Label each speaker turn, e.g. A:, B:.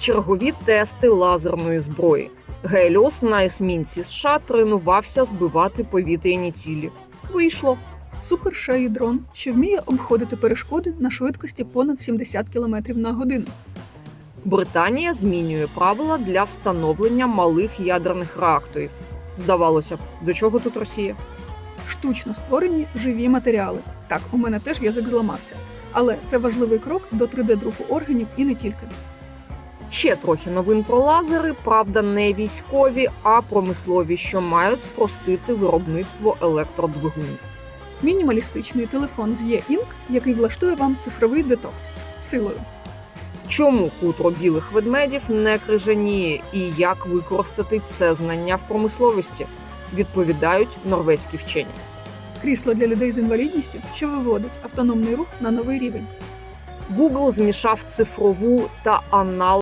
A: Чергові тести лазерної зброї. Геліос на есмінці США тренувався збивати повітряні цілі. Вийшло.
B: Супершеї дрон, що вміє обходити перешкоди на швидкості понад 70 км на годину.
A: Британія змінює правила для встановлення малих ядерних реакторів. Здавалося б, до чого тут Росія?
B: Штучно створені живі матеріали. Так, у мене теж язик зламався. Але це важливий крок до 3D-друку органів і не тільки.
A: Ще трохи новин про лазери, правда, не військові, а промислові, що мають спростити виробництво електродвигунів.
B: Мінімалістичний телефон з E-Ink, який влаштує вам цифровий детокс. Силою.
A: Чому хутро білих ведмедів не крижаніє і як використати це знання в промисловості? Відповідають норвезькі вчені.
B: Крісло для людей з інвалідністю, що виводить автономний рух на новий рівень.
A: Google змішав цифрову та аналогову